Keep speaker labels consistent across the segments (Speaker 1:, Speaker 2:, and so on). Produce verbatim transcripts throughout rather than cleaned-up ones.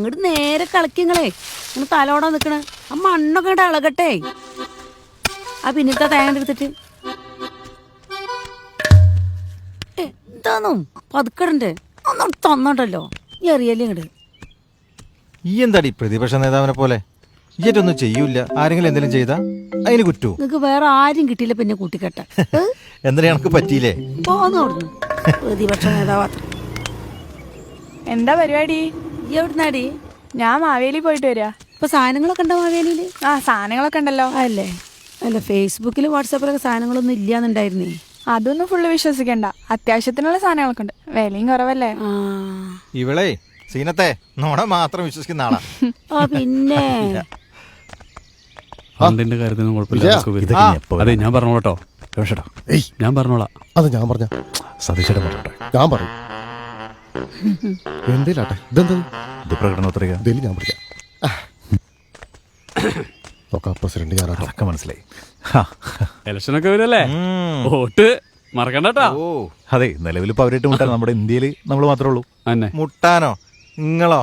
Speaker 1: അങ്ങോട്ട് നേരെ കളിക്കങ്ങളെ നിങ്ങൾ തലോടാൻ നിക്കണ ആ മണ്ണൊക്കെ ഇങ്ങോട്ട് ഇളകട്ടെ. ആ പിന്നത്തെ തേങ്ങ എടുത്തിട്ട് എന്താന്നോ പതുക്കടണ്ടേ ഒന്നും തന്നോണ്ടല്ലോ ഈ അറിയല്ലേ ഇങ്ങോട്ട്.
Speaker 2: ഈ എന്താടി പ്രതിപക്ഷ നേതാവിനെ പോലെ ഇതൊന്നും ചെയ്യൂല. ആരെങ്കിലും എന്തെങ്കിലും ചെയ്താ അതിന് കുറ്റൂ.
Speaker 1: നിങ്ങക്ക് വേറെ ആരും കിട്ടിയില്ല പിന്നെ കൂട്ടിക്കെട്ട
Speaker 2: എന്തിനാ എനക്ക് പറ്റിയില്ലേ
Speaker 1: പോന്നു അവിടുന്ന് പ്രതിപക്ഷ നേതാവ്.
Speaker 3: എന്താ പരിപാടി?
Speaker 1: ഈ എവിടുന്നാടി?
Speaker 3: ഞാൻ മാവേലി പോയിട്ട് വരിക.
Speaker 1: ഇപ്പൊ സാധനങ്ങളൊക്കെ ഉണ്ടോ മാവേലിയില്?
Speaker 3: ആ സാധനങ്ങളൊക്കെ ഉണ്ടല്ലോ.
Speaker 1: അല്ലേ അല്ല ഫേസ്ബുക്കിലും വാട്സാപ്പിലൊക്കെ സാധനങ്ങളൊന്നും ഇല്ലാന്നുണ്ടായിരുന്നേ.
Speaker 3: അതൊന്നും ഫുള്ള് വിശ്വസിക്കണ്ട. അത്യാവശ്യത്തിനുള്ള സാധനങ്ങളൊക്കെ ഉണ്ട്. വിലയും കുറവല്ലേ.
Speaker 1: ആ
Speaker 2: ഇവളെ സീനത്തെ നോണ മാത്രം വിശ്വസിക്കുന്ന ആളാ.
Speaker 1: ആ പിന്നെ
Speaker 4: ഫണ്ടിന്റെ കാര്യത്തിനും കുഴപ്പമില്ല. അതെ ഞാൻ പറഞ്ഞോളട്ടോ. ഞാൻ പറഞ്ഞോളാം.
Speaker 5: അത് ഞാൻ പറഞ്ഞ സതീശേട്ടൻ പറഞ്ഞോട്ടെ. ഞാൻ പറയും എന്തേലാട്ടെ. ഇതെന്താ ഇത് പ്രകടനോത്തരക ഇതിൽ ഞാൻ പഠിക്കാം. പ്രസിഡന്റ് ഞാനൊക്കെ മനസ്സിലായി.
Speaker 4: ഇലക്ഷനൊക്കെ വരുമല്ലേ, വോട്ട് മറക്കണ്ടട്ടാ.
Speaker 5: ഓ അതെ, നിലവിൽ ഇപ്പൊ അവരായിട്ട് മുട്ടാൻ നമ്മുടെ ഇന്ത്യയിൽ നമ്മൾ മാത്രമേ ഉള്ളൂ.
Speaker 4: അന്നെ
Speaker 2: മുട്ടാനോ നിങ്ങളോ?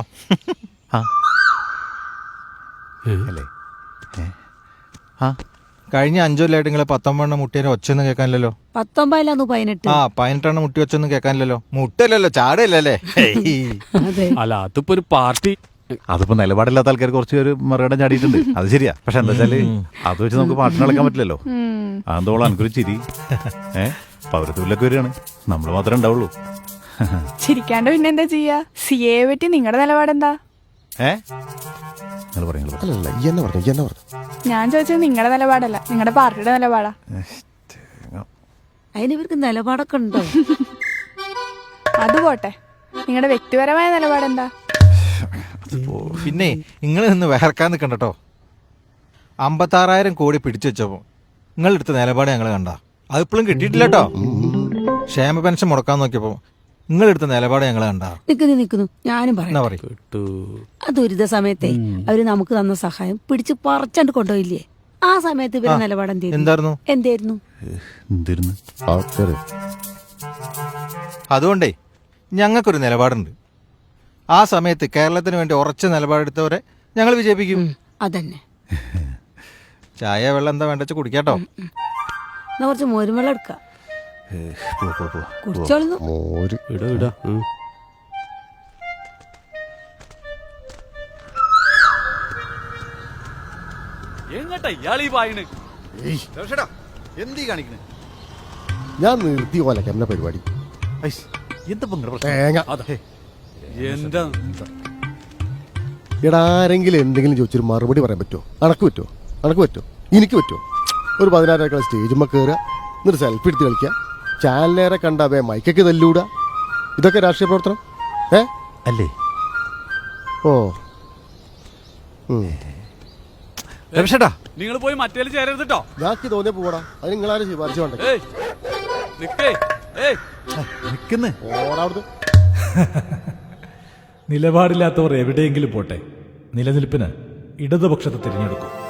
Speaker 5: അല്ലേ?
Speaker 2: ആ കഴിഞ്ഞ അഞ്ചൊല്ലായിട്ട് നിങ്ങളെ പത്തൊമ്പതെണ്ണം മുട്ടിയെ ഒച്ചൊന്നും കേൾക്കാനില്ലല്ലോ.
Speaker 1: പത്തൊമ്പതിലാന്നു പതിനെട്ട്.
Speaker 2: ആ പതിനെട്ടെണ്ണം മുട്ടി ഒച്ചൊന്നും കേൾക്കാനില്ലല്ലോ. മുട്ടല്ലല്ലോ ചാടയല്ലേ.
Speaker 1: അതെ
Speaker 4: അല്ല അതിപ്പോ ഒരു പാർട്ടി.
Speaker 5: അതിപ്പോ നിലപാടില്ലാത്ത ആൾക്കാർ കുറച്ച് പേര് മറുകടം ചാടിയിട്ടുണ്ട്. അത് ശരിയാ. പക്ഷെ എന്താ വെച്ചാല് അത് വെച്ച് നമുക്ക് പാട്ടിന് കളിക്കാൻ പറ്റില്ലല്ലോ. അതെന്തോളം എനിക്കൊരു ചിരി. ഏഹ് പൗരത്വത്തിലൊക്കെ വരികയാണ്, നമ്മൾ മാത്രമേ ഉണ്ടാവുള്ളൂ.
Speaker 3: ചിരിക്കാണ്ട് പിന്നെ എന്താ ചെയ്യാ? സി എ പറ്റി നിങ്ങളുടെ നിലപാടെന്താ?
Speaker 5: ഏഹ് നിങ്ങൾ പറഞ്ഞു.
Speaker 3: ഞാൻ ചോദിച്ചത് നിങ്ങളുടെ നിലപാടല്ല, നിങ്ങളുടെ പാർട്ടിയുടെ നിലപാടാ.
Speaker 1: അതിന് ഇവർക്ക് നിലപാടൊക്കെ ഉണ്ടോ?
Speaker 3: അത് പോട്ടെ, നിങ്ങളുടെ വ്യക്തിപരമായ നിലപാടെന്താ?
Speaker 2: പിന്നെ നിങ്ങൾ നിന്ന് വേർക്കാൻ നിൽക്കണ്ടോ. അമ്പത്താറായിരം കോടി പിടിച്ചു വെച്ചപ്പോ നിങ്ങളെടുത്ത നിലപാട് ഞങ്ങൾ കണ്ട അതിപ്പോഴും കിട്ടിയിട്ടില്ല കേട്ടോ. ക്ഷേമ പെൻഷൻ മുടക്കാൻ നോക്കിയപ്പോ നിങ്ങളെടുത്ത നിലപാട് ഞങ്ങൾ കണ്ട.
Speaker 1: നിക്കുന്നു നിക്കുന്നു ഞാനും പറയാം. ആ ദുരിത സമയത്തെ അവര് നമുക്ക് തന്ന സഹായം പിടിച്ച് പറിച്ചണ്ട് കൊണ്ടുപോയില്ലേ? ആ സമയത്ത് ഇവരുടെ നിലപാട്
Speaker 2: എന്തായിരുന്നു?
Speaker 1: എന്തായിരുന്നു?
Speaker 2: അതുകൊണ്ടേ ഞങ്ങൾക്കൊരു നിലപാടുണ്ട്. ആ സമയത്ത് കേരളത്തിന് വേണ്ടി ഉറച്ച നിലപാടെടുത്തവരെ ഞങ്ങൾ വിജയിപ്പിക്കും.
Speaker 1: അതന്നെ.
Speaker 2: ചായ വെള്ളം എന്താ വേണ്ട വെച്ചാൽ കുടിക്കാട്ടോ.
Speaker 1: എന്നാ കുറച്ച് മോരും വെള്ളം എടുക്കാം. കുടിച്ചോളുന്നു.
Speaker 5: ഞാൻ നിർത്തി പോലെ എന്നെ പരിപാടി. എടാ ആരെങ്കിലും എന്തെങ്കിലും ചോദിച്ചൊരു മറുപടി പറയാൻ പറ്റുമോ? അണക്ക് പറ്റുമോ? അണക്ക് പറ്റുമോ? എനിക്ക് പറ്റുമോ? ഒരു പതിനായിരം സ്റ്റേജുമ്മ കയറുക, എന്നിട്ട് സെൽഫി എടുത്ത് കളിക്കുക, ചാനലേറെ കണ്ടാവേ മൈക്കൊക്കെ തല്ലൂടുക, ഇതൊക്കെ രാഷ്ട്രീയ പ്രവർത്തനം ഏ അല്ലേ? ഓ
Speaker 4: നിങ്ങൾ പോയി മറ്റേ ചേരരുതട്ടോ.
Speaker 5: ഞാക്ക് തോന്നിയ പോടാ. അത് നിങ്ങളാരും ശുപാർശ വേണ്ട.
Speaker 6: നിലപാടില്ലാത്തവർ എവിടെയെങ്കിലും പോട്ടെ, നിലനിൽപ്പിന് ഇടതുപക്ഷത്തെ തിരഞ്ഞെടുക്കും.